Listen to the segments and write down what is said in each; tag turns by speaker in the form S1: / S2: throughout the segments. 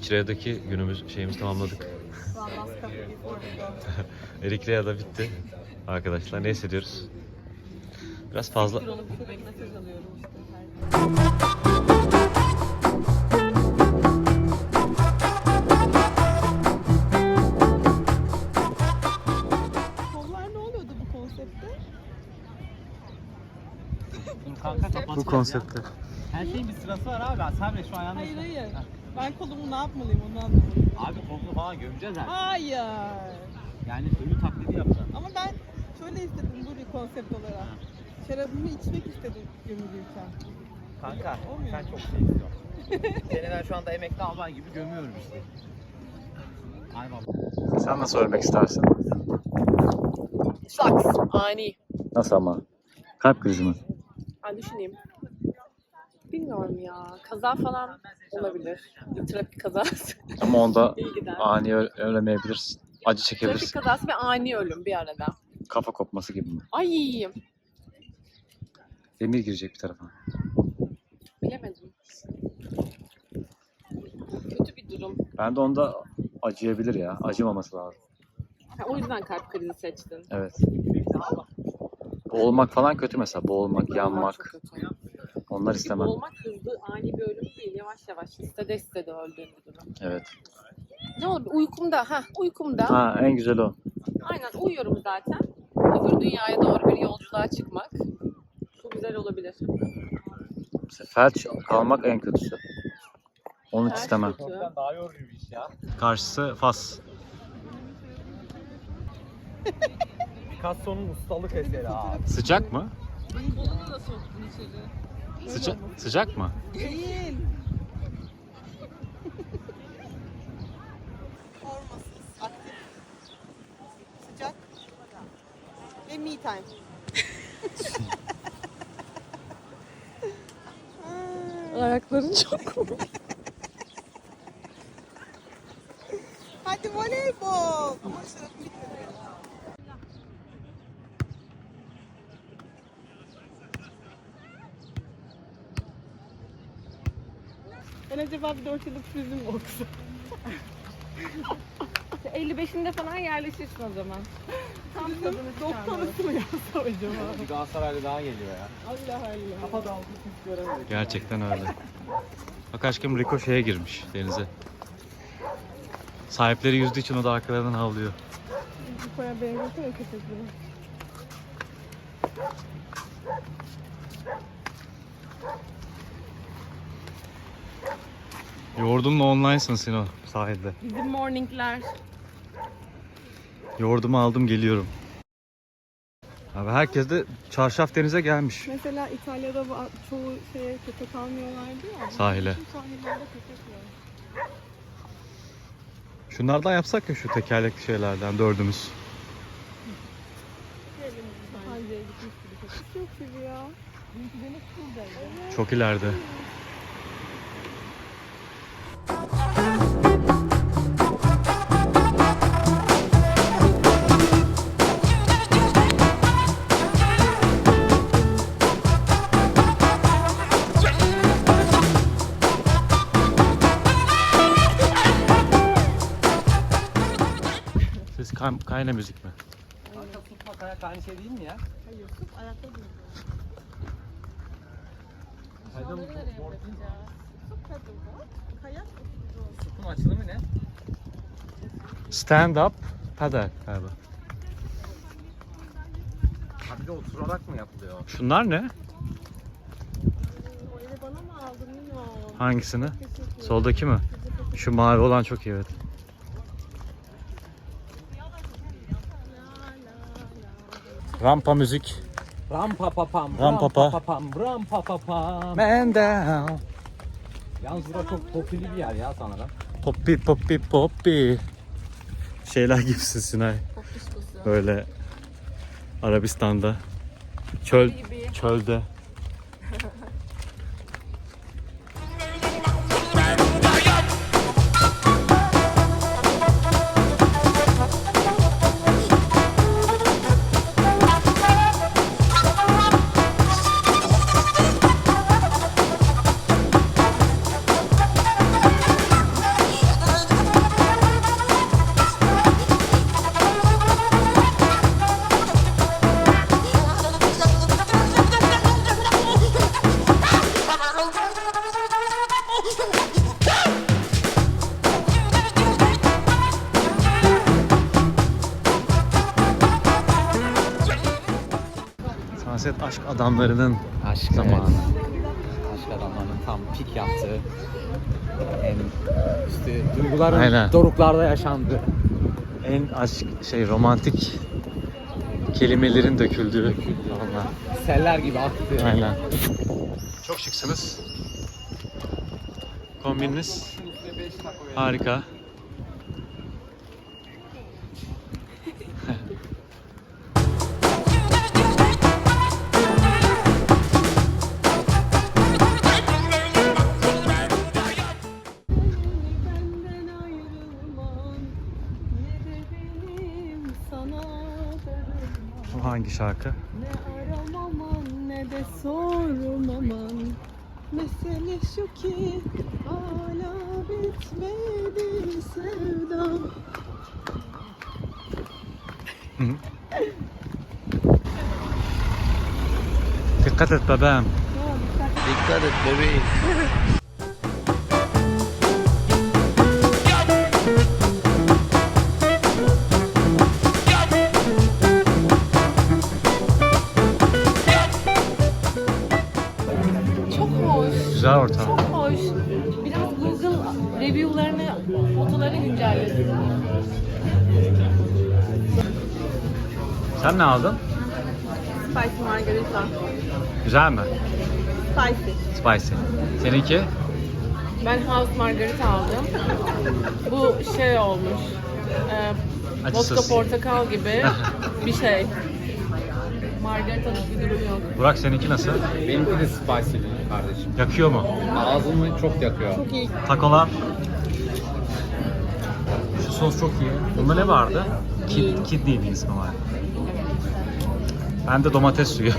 S1: Eritre'deki şeyimizi tamamladık. Eritre'de bitti. Arkadaşlar ne hissediyoruz? Biraz fazla...
S2: Kollar ne oluyordu bu konseptte?
S1: Bu konsepte.
S3: Her şeyin bir sırası var abi. Sabret şu ayağını.
S2: Hayır hayır. Ben kolumu ne yapmalıyım onu anlamadım.
S3: Abi kolunu falan gömeceğiz artık.
S2: Hayır.
S3: Yani ölü taklidi yapacağız.
S2: Ama ben şöyle istedim bu bir konsept olarak. Şarabımı içmek istedim gömülürken.
S3: Kanka
S2: Olmuyor
S3: sen
S2: mu?
S3: çok şey istiyorsun. Seni ben şu anda emekli albay gibi gömüyorum işte. Ay baba.
S1: Sen nasıl ölmek istersin?
S4: Şaks. Ani.
S1: Nasıl ama? Kalp krizi mi?
S4: Ben düşüneyim. Bilmiyorum ya. Kaza falan olabilir. Bir trafik kazası.
S1: Ama onda
S4: İyi gider.
S1: ani ölemeyebilirsin. Acı
S4: Trafik
S1: çekebilirsin.
S4: kazası ve ani ölüm bir arada.
S1: Kafa kopması gibi mi?
S4: Ay
S1: Demir girecek bir tarafa.
S4: bilemedim. Kötü bir durum.
S1: Ben de onda acıyabilir ya. Acımaması lazım.
S4: Ha, o yüzden kalp krizi seçtin.
S1: Evet. Boğulmak falan kötü mesela. Boğulmak, yanmak.
S4: Çok kötü.
S1: Onlar
S4: Bir
S1: istemem.
S4: boğulmak hızlı, ani bir ölüm değil. Yavaş yavaş istede istede öldüğün bir durum.
S1: Evet.
S4: Ne olur uykumda. Uykumda.
S1: Ha, en güzel o.
S4: Aynen uyuyorum zaten. Öbür dünyaya doğru bir yolculuğa çıkmak. Çok güzel olabilir.
S1: Mesela felç kalmak en kötüsü. Onu hiç
S4: Felç
S1: istemem.
S4: kötü.
S3: Daha yorucu bir iş ya.
S1: Karşısı Fas.
S3: Picasso'nun ustalık eseri abi.
S1: Sıcak mı?
S4: Kolunu da soktun içeri.
S1: Sıcak mı?
S2: Değil. Formasız, aktif, sıcak ve me time.
S4: Ayakların çok komik.
S2: Hadi voleybol. Ama şarabım bitmedi. Ben acaba bir 4 yıllık turizm mi okusam?
S4: 55'inde falan yerleşirsin o zaman. Tam tadını
S2: Doktorası mı yazsam acaba?
S3: Bir Galatasaraylı daha geliyor ya.
S2: Allah Allah.
S3: Kafa dağılmış hiç göremedik.
S1: Gerçekten öyle. Bak aşkım Rico şeye girmiş denize. Sahipleri yüzdüğü için o da arkalarından havlıyor.
S2: Bu koya benziyorsun ya köpekleri.
S1: Yoğurdumla online'sın Sino sahilde.
S4: Bizim morningler.
S1: Yoğurdumu aldım geliyorum. Abi herkes de çarşaf denize gelmiş.
S2: Mesela İtalya'da çoğu şeye köpek almıyorlardı ya.
S1: Sahile.
S2: Bütün sahillerde köpek var.
S1: Şunlardan yapsak ya şu tekerlekli şeylerden dördümüz.
S2: Hangiye gitmiş gibi köpek. Çok gibi ya. Dünkü deniz şuradaydı.
S1: Çok ileride. Siz kayna müzik mi?
S3: Kanka tutmak ayak aynı şey değil mi ya?
S2: Hayır, sırf ayakta duruyor.
S3: Kayda mı?
S2: Sırf kadın kayak oturuyor.
S3: Tutun açılımı ne?
S1: Stand up paddle galiba.
S3: Ha bir de oturarak mı yapılıyor?
S1: Şunlar ne?
S2: O eli bana mı aldın bilmiyorum.
S1: Hangisini?
S2: Teşekkür
S1: Soldaki mi? Şu mavi olan çok iyi evet. Rampa müzik.
S3: Ram pa pa pam.
S1: Ram pa pa.
S3: pam. Ram pa pa pam.
S1: Man down.
S3: Yalnız burası çok popüler bir yer ya sanırım.
S1: Poppy poppy poppy. Şeyler gibisin Sinay. Böyle Arabistan'da. Çölde. Sunset aşk adamlarının
S3: Aşk
S1: zamanı.
S3: Aşk adamlarının tam pik yaptığı. En işte duyguların
S1: Aynen.
S3: doruklarda yaşandığı.
S1: En aşk romantik kelimelerin döküldüğü. Vallahi.
S3: Seller gibi aktı.
S1: Aynen. Çok şıksınız. Kombininiz harika.
S2: Benden ayrılman, ne de benim sana darılmam.
S1: Bu hangi şarkı?
S2: Ne aramaman ne de sormaman. Mesele şu ki hala bitmedi sevdam.
S1: Dikkat et bebeğim.
S3: Dikkat et bebeğim.
S4: Çok hoş.
S1: Güzel ortam.
S4: Çok hoş. Biraz Google review'larını, fotoları güncellesin.
S1: Sen ne aldın?
S2: Spicy margarita.
S1: Güzel mi?
S2: Spicy.
S1: Spicy. Seninki?
S4: Ben house margarita aldım. Bu şey olmuş.
S1: Acısız.
S4: Vodka portakal gibi bir şey. Margarita'lık bir durum yok.
S1: Burak seninki nasıl?
S3: Benimki de spicy kardeşim.
S1: Yakıyor mu?
S3: Ağzımı çok yakıyor.
S2: Çok iyi.
S1: Takolar. Şu sos çok iyi. Bunda ne vardı? Kidney bir ismi var. Ben de domates suyu.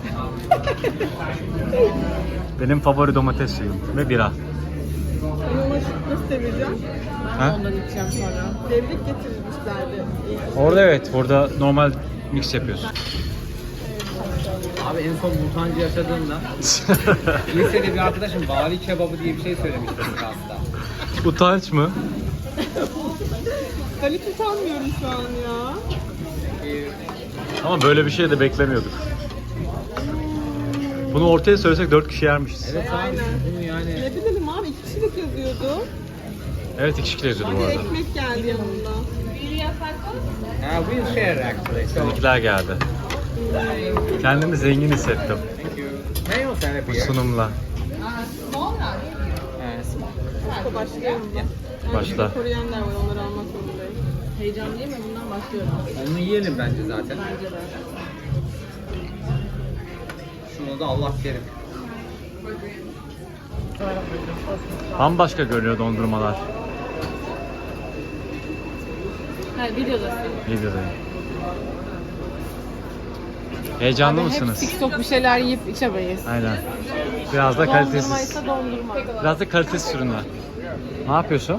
S1: Benim favori domates suyum ve bira.
S2: Ben ona nasıl seveceğim?
S1: Ha?
S4: Ondan içeceğim sonra.
S2: Devrik getirilmişlerdi.
S1: Orada evet, burada normal mix yapıyorsun.
S3: Abi en son mutancı yaşadığımda lisede bir arkadaşım vali kebabı diye bir şey söylemişti hasta.
S1: Utanç mı?
S2: Ben hiç utanmıyorum şu an ya.
S1: Ama böyle bir şey de beklemiyorduk. Bunu ortaya söylesek 4 kişi yermişiz.
S3: Evet abi
S2: Aynen.
S3: bunu yani.
S2: Ne bilelim abi 2 kişilik yazıyordu.
S1: Evet, 2 kişi yazıyordu
S2: Bir
S1: bu
S2: de
S1: arada.
S2: ekmek geldi yanında.
S3: We'll share actually. So,
S1: Seninkiler geldi. Kendimi zengin hissettim
S3: thank you. Ne o sen
S1: bu sunumla.
S2: Başka başlayalım mı?
S1: Başla.
S2: Koruyanlar var onları almak zorundayım.
S4: Heyecanlıyım ve bundan başlıyorum.
S3: Onu yiyelim bence zaten. Şunu da Allah kerim.
S1: Bambaşka görünüyor dondurmalar.
S4: Ha, videodasın.
S1: Videodayım. Heyecanlı
S4: Hep
S1: mısınız?
S4: TikTok bir şeyler yiyip içemeyiz.
S1: Aynen. Biraz da
S4: Dondurma
S1: kalitesiz.
S4: ise dondurma.
S1: Biraz da kalitesiz ürünler. Ne yapıyorsun?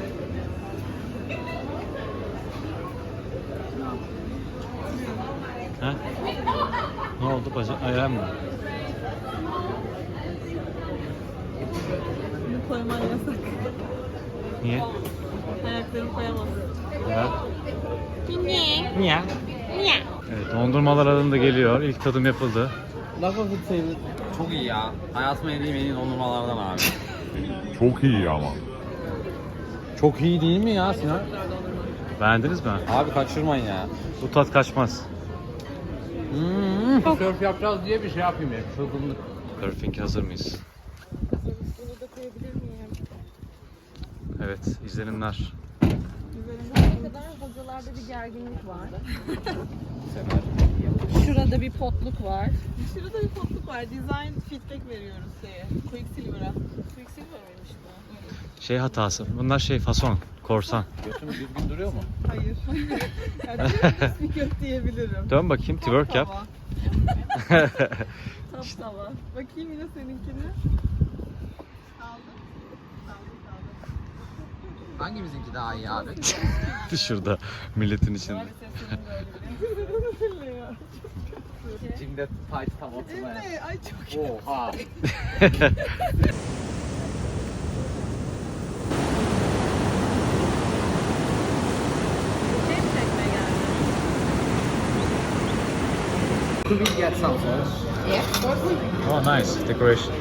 S1: Ha? Ne oldu bacak? Ayağım mı?
S2: Bunu koyman yasak.
S1: Niye?
S2: Ayaklarını koyamazsın.
S1: Ya. Niye? Niye? Evet, dondurmalar adında geliyor. İlk tadım yapıldı.
S3: Çok iyi ya. Hayatıma yediğim en iyi dondurmalardan abi.
S5: Çok iyi ama.
S3: Çok iyi değil mi ya Sinan?
S1: Beğendiniz mi?
S3: Abi kaçırmayın ya.
S1: Bu tat kaçmaz.
S3: Surf yapacağız diye bir şey yapayım ya. Çılgınlık.
S1: Surfing hazır mıyız?
S2: Bunu da koyabilir miyim?
S1: Evet, izlenimler.
S4: Ne kadar hocalarda bir gerginlik var. Şurada bir potluk var.
S2: Şurada bir potluk var. Design feedback veriyoruz şeye. Quicksilver'a.
S4: Quicksilver mıymış bu?
S1: Şey hatası. Bunlar fason, korsan.
S3: Götüm düzgün duruyor mu?
S2: Hayır. Yani bir yok diyebilirim.
S1: Dön bakayım, twerk yap.
S2: Tam tava. Bakayım yine seninkini. Aldım.
S3: Hangimizinki daha iyi abi?
S1: Şurada milletin içinde.
S3: Cimde tight tam oturmaya.
S2: Evet, ay çok iyi.
S3: Oha. Could we get some sauce?
S1: Oh nice decoration.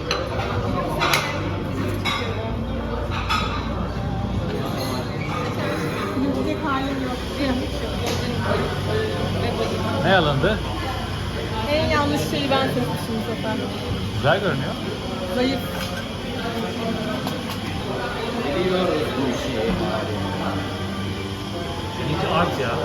S2: Yiyecek halim yok.
S1: Ne alındı?
S2: En yanlış şeyi ben seçmişim bu sefer.
S1: Güzel görünüyor.
S2: Zayıf.
S3: Biliyoruz bu işi.
S1: Seninki art ya.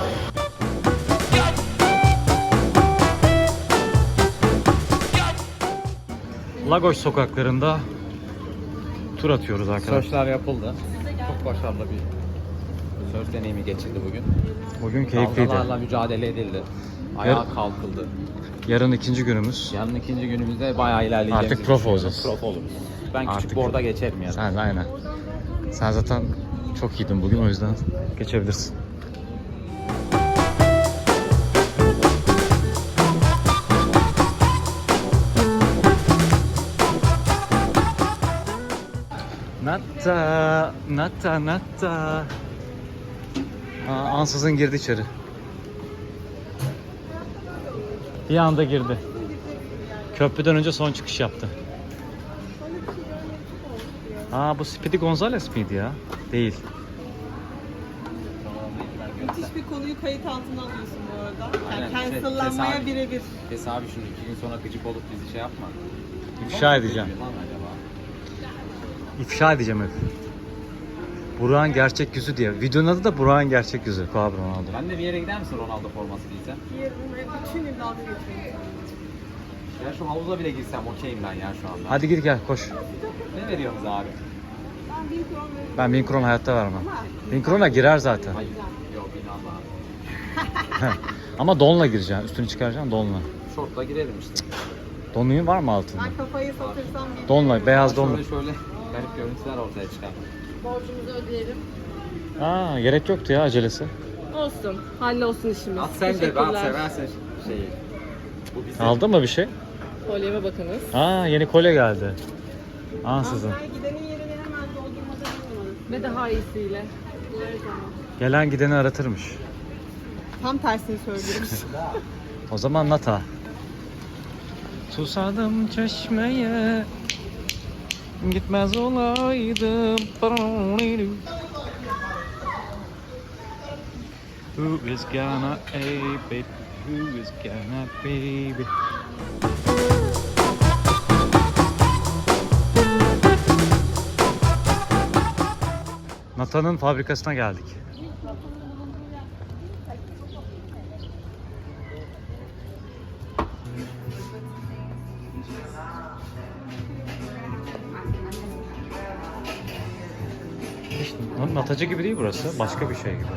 S1: Lagos sokaklarında tur atıyoruz arkadaşlar.
S3: Search'lar yapıldı. Çok başarılı bir search deneyimi geçirdi bugün.
S1: Bugün keyifliydi.
S3: Dalgalarla mücadele edildi. Ayağa kalkıldı.
S1: Yarın ikinci günümüz.
S3: Yarın ikinci günümüzde bayağı ilerleyeceğimizi
S1: Artık prof
S3: düşünüyorum.
S1: olacağız.
S3: Prof oluruz. Ben
S1: Artık
S3: küçük board'a geçerim yarın.
S1: Sen aynen. Sen zaten çok iyiydin bugün, o yüzden geçebilirsin. Natta, natta, natta. Ansızın girdi içeri. Bir anda girdi. Köprüden önce son çıkış yaptı. Bu Speedy Gonzales miydi ya? Değil.
S2: Müthiş bir konuyu kayıt altına alıyorsun bu arada. Yani
S3: Aynen,
S2: cancellanmaya
S3: tesadüf.
S2: birebir.
S3: Abi şimdi 2 gün sonra gıcık olup bizi şey yapma.
S1: İfşa edeceğim.
S3: Lan acaba?
S1: İfşa edeceğim hep. Burak'ın gerçek yüzü diye. Videonun adı da Burak'ın gerçek yüzü. Koab Ronaldo.
S3: Ben de bir yere gider misin Ronaldo forması giysem?
S2: Bütün gün dalga geçiyorum.
S3: Ya şu havuza bile girsem okeyim ben ya şu anda.
S1: Hadi git gel koş.
S3: Ne veriyorsunuz abi?
S2: Ben 1000 kron veririm.
S1: Ben 1000 kron hayatta vermem. 1000 krona girer zaten.
S3: Hayır. Yok inanma.
S1: Ama donla gireceksin. Üstünü çıkaracaksın donla.
S3: Şortla girerim işte.
S1: Donluğun var mı altında?
S2: Ben kafayı satırsam bir
S1: Donla, beyaz donla.
S3: Şöyle garip görüntüler ortaya çıkar.
S4: Borcumuzu ödeyelim.
S1: Gerek yoktu ya acelesi.
S4: Olsun. Hallolsun işimiz.
S3: At sen de ben
S4: Teşekkürler.
S3: seversen şeyi. Bu bizim.
S1: Aldın mı bir şey?
S4: Kolyeme bakınız.
S1: Yeni kolye geldi. Ansızın.
S2: Ben gidenin yerini hemen doldurmada bilmiyorum.
S4: Ve daha iyisiyle.
S1: Gelen gideni aratırmış.
S2: Tam tersini söylüyorum.
S1: O zaman nata. Susadım çeşmeye, gitmez olaydım. Who is gonna baby? Who is gonna baby? Nata'nın fabrikasına geldik. İşte Natacı gibi değil burası. Başka bir şey gibi.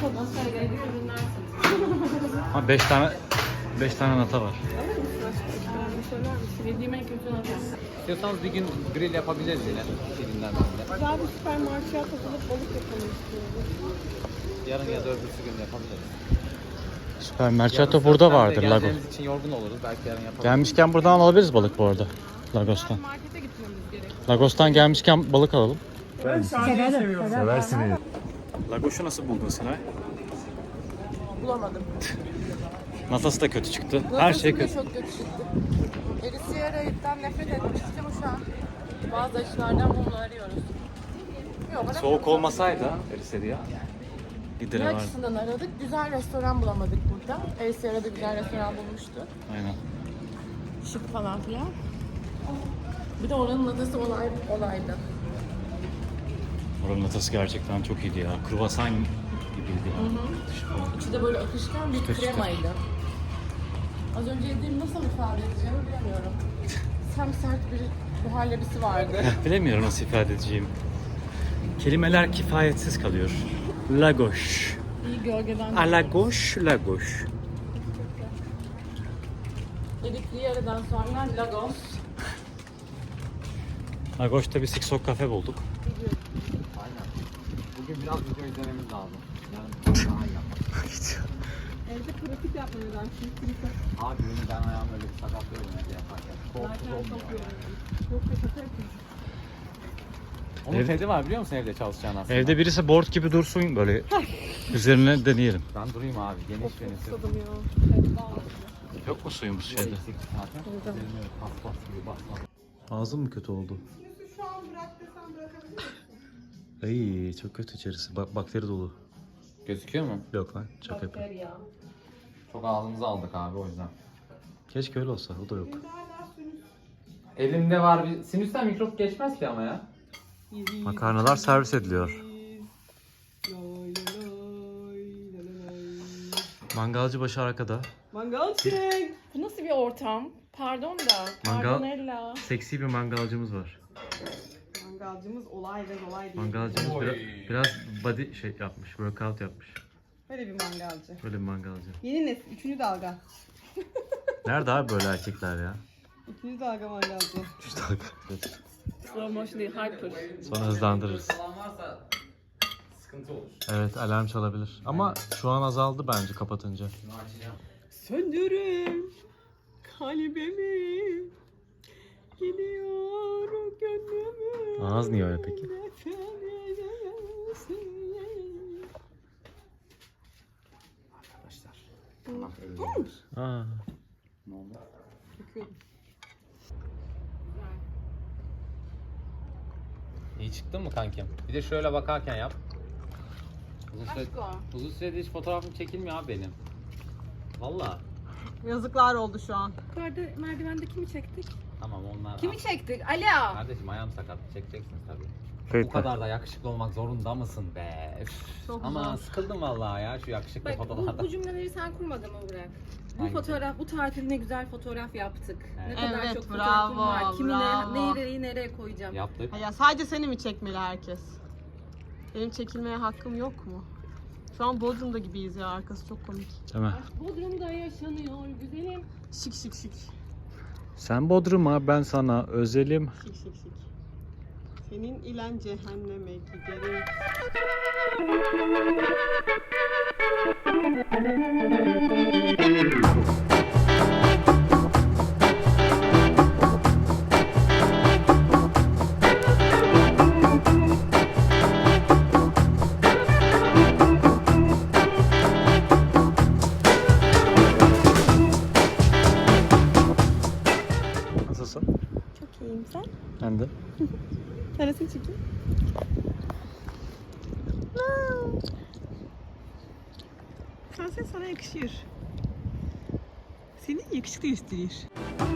S1: Ha 5 tane nata var.
S4: Yediğim en kötü nota.
S3: İstiyorsanız bir gün grill yapabiliriz yine. Birinden birinde.
S2: Güzel bir süpermarkete atılıp balık yapalım istiyorum.
S3: Yarın ya da öbürsü gün yapabiliriz.
S1: Süper Mercato burada vardır Lagos.
S3: Geleceğimiz için yorgun oluruz. Belki yarın yapabiliriz.
S1: Gelmişken buradan alabiliriz balık bu arada. Lagos'tan.
S4: Markete gitmemiz gerek.
S1: Lagos'tan gelmişken balık alalım. Seversiniz. Lagos'u nasıl buldun Sinay?
S4: Bulamadım.
S1: Natası da kötü çıktı. Her şey kötü.
S4: Çok kötü çıktı. Erisiyera'dan nefret etmiştik ama şu an bazı açılardan bunu arıyoruz. Yok, bana
S1: Soğuk olmasaydı Erisiyera gideri
S4: ne
S1: vardı.
S4: açısından aradık? Güzel restoran bulamadık burada. Erisiyera'da güzel restoran bulmuştu.
S1: Aynen.
S4: Şık falan filan. Bir de oranın natası olaydı.
S1: Oranın natası gerçekten çok iyiydi ya. Kruvasan gibiydi ya. Dışı falan.
S4: İçi de böyle akışkan bir
S1: Çıtır çıtır.
S4: kremaydı. Az önce yediğim nasıl ifade edeceğimi bilemiyorum. Sem sert bir muhallebisi vardı.
S1: Bilemiyorum nasıl ifade edeceğim. Kelimeler kifayetsiz kalıyor. Lagos.
S4: İyi gölgeden.
S1: Alagos, Lagos.
S4: Yedik Riyera'dan sonra Lagos.
S1: Lagos'ta bir Siksok kafe bulduk.
S3: Aynen. Bugün biraz video izlememiz lazım. Yarın daha iyi yapalım.
S2: Evde pratik yapma neden? Çünkü
S3: Abi benim ben ayağımı öyle bir sakatlıyorum evde yaparken. Korkusuz olmuyor.
S2: çok kötü yapıyorsun.
S3: Onun
S1: Evet.
S3: tedi var biliyor musun evde çalışacağın aslında?
S1: Evde birisi board gibi dursun böyle üzerine deneyelim.
S3: Ben durayım abi. Geniş
S2: Çok
S3: venüsü.
S2: susadım ya.
S1: Yok mu suyumuz şeyde?
S3: Zaten. Paspas gibi bas.
S1: Ağzım mı kötü oldu?
S2: Sinüsü şu an bırak desem bırakabilir misin?
S1: Ay çok kötü içerisi. Bakteri dolu.
S3: Gözüküyor mu?
S1: Yok lan şaka yapıyorum.
S3: Çok ağzımıza aldık abi o yüzden.
S1: Keşke öyle olsa o da yok.
S2: Şimdi hala sinüs.
S3: Elimde var bir... Sinüsten mikrop geçmez ki ama ya.
S1: Makarnalar servis ediliyor.
S2: Lay lay lay, lay lay.
S1: Mangalcı başı arkada.
S2: Mangal çek.
S4: Bu nasıl bir ortam? Pardon da.
S1: Mangal-
S4: Pardonella.
S1: Seksi bir mangalcımız var.
S2: Mangalcımız olay ve olay değil.
S1: Mangalcımız
S3: Oy.
S1: biraz body şey yapmış, workout yapmış.
S2: Böyle bir mangalcı.
S1: Böyle bir mangalcı.
S2: Yeni nesil. 3. dalga.
S1: Nerede abi böyle erkekler ya?
S2: 2. dalga mangalcı.
S1: Üç dakika. Evet.
S4: Slow motion değil, hyper.
S1: Sonra hızlandırırız.
S3: Falan varsa sıkıntı olur.
S1: Evet alarm çalabilir. Ama şu an azaldı bence kapatınca.
S3: Şunu açacağım.
S2: Söndürün kalbimi. Gidiyor gönlümü.
S1: Ağız niye öyle peki?
S3: Arkadaşlar. Allah ölüyor.
S1: Aa.
S3: Ne oldu? İyi çıktın mı kankim? Bir de şöyle bakarken yap. Uzun süredir hiç fotoğrafım çekilmiyor abi benim. Valla.
S2: Yazıklar oldu şu an.
S4: Yukarıda merdivende kimi çektik?
S3: Tamam onlar.
S4: Kimi çektik? Alo.
S3: Kardeşim ayağım sakat. Çekeceksiniz tabii. Bu
S1: Kayıtlı.
S3: kadar da yakışıklı olmak zorunda mısın be? Üf.
S2: Çok
S3: Ama
S2: zor.
S3: sıkıldım vallahi ya şu yakışıklı
S4: Bak
S3: fotoğraflardan.
S4: bu cümleleri sen kurmadın mı Burak? Bu
S3: Hangisi?
S4: fotoğraf, bu tatil ne güzel fotoğraf yaptık. Ne
S3: Evet.
S4: kadar
S2: Evet,
S4: çok
S2: bravo,
S4: fotoğrafım var. Kimi
S2: bravo.
S4: nereyi nereye koyacağım?
S3: Yaptık.
S2: Ya sadece seni mi çekmeli herkes? Benim çekilmeye hakkım yok mu? Şu an Bodrum'da gibiyiz ya, arkası çok komik.
S1: Değil mi?
S4: Bodrum'da yaşanıyor güzelim.
S2: Şık şık şık.
S1: Sen Bodrum'a ben sana özelim.
S2: Şık şık şık. Senin ilen cehenneme giderim.
S1: Nasılsın?
S2: Çok iyiyim sen.
S1: Ben de.
S2: Neresini çekeyim? Sen sana yakışıyor. Seni yakışıklı gösterir.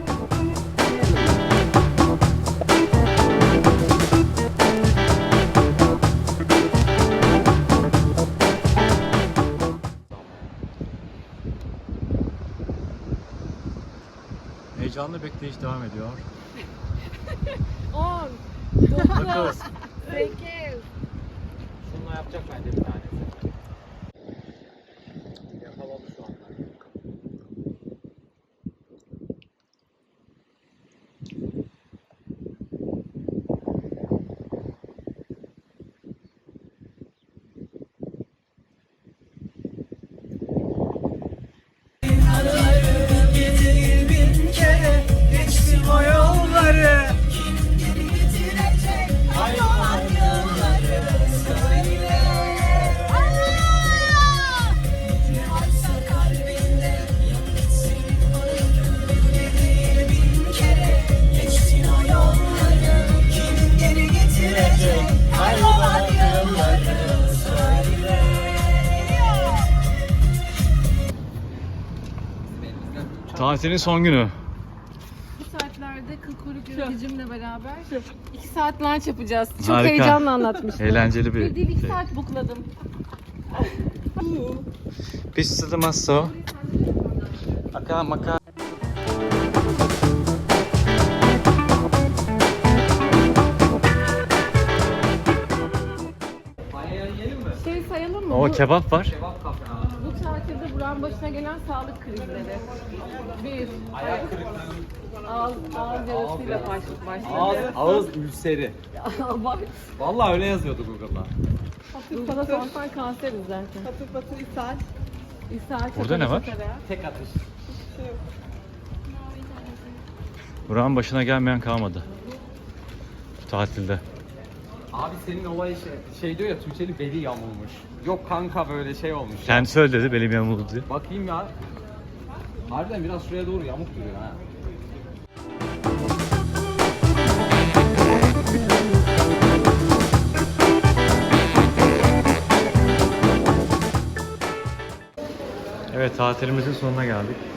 S1: Heyecanlı bekleyiş devam ediyor.
S4: 10,
S1: 9.
S4: 8.
S3: Şununla yapacak bence bir tanesi. Yakaladı şu anda.
S1: Tatilin son günü.
S4: Bu saatlerde kıl kuyruk yöneticimle beraber 2 saat lunch yapacağız. Çok
S1: Harika.
S4: heyecanla anlatmıştım.
S1: Eğlenceli bir
S4: Bir değil 2
S1: şey.
S4: saat bukladım.
S1: Pista de masso. Aka maka.
S3: Paella yiyelim mi?
S4: Şey sayalım mı?
S1: O
S4: Bu-
S1: kebap var.
S3: Kebap kafe abi.
S4: Bu tatilde Burak'ın başına gelen sağlık krizleri. 1.
S3: Ayak kırıklığı.
S4: Ağız yarasıyla başladı.
S3: Ağız ülseri.
S4: Bak,
S3: Vallahi öyle yazıyordu Google'da.
S4: sana sorsan kanseriz zaten.
S2: Patır patır ishal.
S4: İshal,
S1: Burada ne var?
S3: Tek atış.
S2: Şey yok.
S1: Burak'ın başına gelmeyen kalmadı. Bu tatilde.
S3: Abi senin olay şey diyor ya Tuğçe'li beli yamulmuş. Yok kanka böyle şey olmuş.
S1: Kendisi öyle dedi benim yanımda diye.
S3: Bakayım ya. Harbiden biraz şuraya doğru yamuk duruyor ha.
S1: Evet, tatilimizin sonuna geldik.